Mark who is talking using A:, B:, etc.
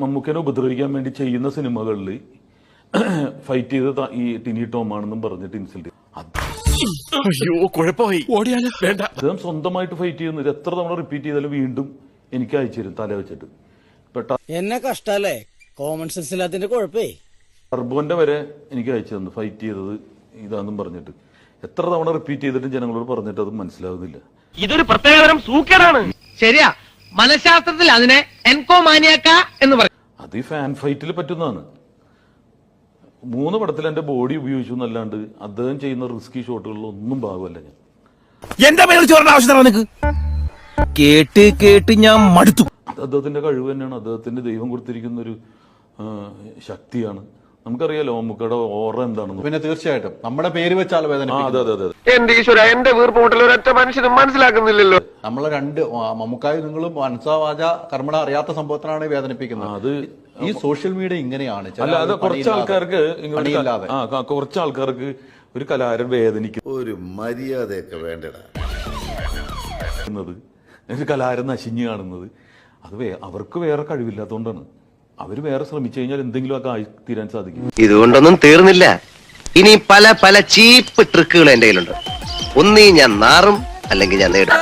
A: മമ്മൂക്കനെ ഉപദ്രവിക്കാൻ വേണ്ടി ചെയ്യുന്ന സിനിമകളിൽ ഫൈറ്റ് ചെയ്ത് ഈ ടിനി ടോമാണെന്നും പറഞ്ഞിട്ട് ഇൻസൾട്ട് അദ്ദേഹം സ്വന്തമായിട്ട് ഫൈറ്റ് ചെയ്യുന്നത് എത്ര തവണ റിപ്പീറ്റ് ചെയ്താലും വീണ്ടും എനിക്ക് അയച്ചു തരും തല വെച്ചിട്ട്.
B: എന്നെ കഷ്ടല്ലേ, കോമൺ സെൻസ് ഇല്ലാത്തതിന്റെ കുഴപ്പേ.
A: ടർബോന്റെ വരെ എനിക്ക് അയച്ചു തന്നു ഫൈറ്റ് ചെയ്തത് ഇതാന്നും പറഞ്ഞിട്ട്. എത്ര തവണ റിപ്പീറ്റ് ചെയ്തിട്ടും ജനങ്ങളോട് പറഞ്ഞിട്ട് അത് മനസ്സിലാവുന്നില്ല.
C: ഇതൊരു പ്രത്യേകതരം സൂക്കേടാണ്. ശരിയാ, മനഃശാസ്ത്രത്തിൽ അതിനെ എൻകോമാനിയാക്ക എന്ന് പറയും.
A: അത് ഈ ഫാൻ ഫൈറ്റിൽ പറ്റുന്നതാണ്. 3 പടത്തിൽ എന്റെ ബോഡി ഉപയോഗിച്ചു എന്നല്ലാണ്ട് അദ്ദേഹം ചെയ്യുന്ന റിസ്കി ഷോട്ടുകളിൽ ഒന്നും ഭാഗമല്ല ഞാൻ.
D: എന്റെ പേര് ചോറിന്റെ ആവശ്യം കേട്ട് കേട്ട് ഞാൻ മടുത്തു.
A: അദ്ദേഹത്തിന്റെ കഴിവ് തന്നെയാണ്, അദ്ദേഹത്തിന്റെ ദൈവം കൊടുത്തിരിക്കുന്ന ഒരു ശക്തിയാണ്. നമുക്കറിയാലോ മമ്മൂക്കയുടെ ഓറ എന്താണെന്ന്.
E: പിന്നെ തീർച്ചയായിട്ടും നമ്മുടെ പേര് വെച്ചാൽ വേദന.
A: അതെ അതെ അതെ.
C: എന്റെ ഈശ്വര, എന്റെ വീർപ്പുമുട്ടൽ ഒരൊറ്റ മനുഷ്യനും മനസ്സിലാക്കുന്നില്ലല്ലോ.
E: നമ്മളെ രണ്ട് മമ്മൂക്കായി നിങ്ങളും മനസ്സാവാച കർമ്മട അറിയാത്ത സംഭവത്തിനാണ് വേദനിപ്പിക്കുന്നത്. അത് ഈ സോഷ്യൽ മീഡിയ ഇങ്ങനെയാണ്.
A: അല്ലാതെ കുറച്ച് ആൾക്കാർക്ക് ഒരു കലാകാരൻ വേദനിക്കുന്നത്,
F: ഒരു മര്യാദയൊക്കെ വേണ്ടടാ,
A: ഒരു കലാകാരൻ നശിഞ്ഞു കാണുന്നത് അത് അവർക്ക് വേറെ കഴിവില്ലാത്തതുകൊണ്ടാണ്. അവര് വേറെ ശ്രമിച്ചു കഴിഞ്ഞാൽ എന്തെങ്കിലും ഒക്കെ ആയി തീരാൻ സാധിക്കും.
G: ഇതുകൊണ്ടൊന്നും തീർന്നില്ല. ഇനി പല പല ചീപ്പ് ട്രിക്കുകൾ എന്റെ കയ്യിലുണ്ട്. ഒന്നീ ഞാൻ നാറും, അല്ലെങ്കിൽ ഞാൻ നേടും.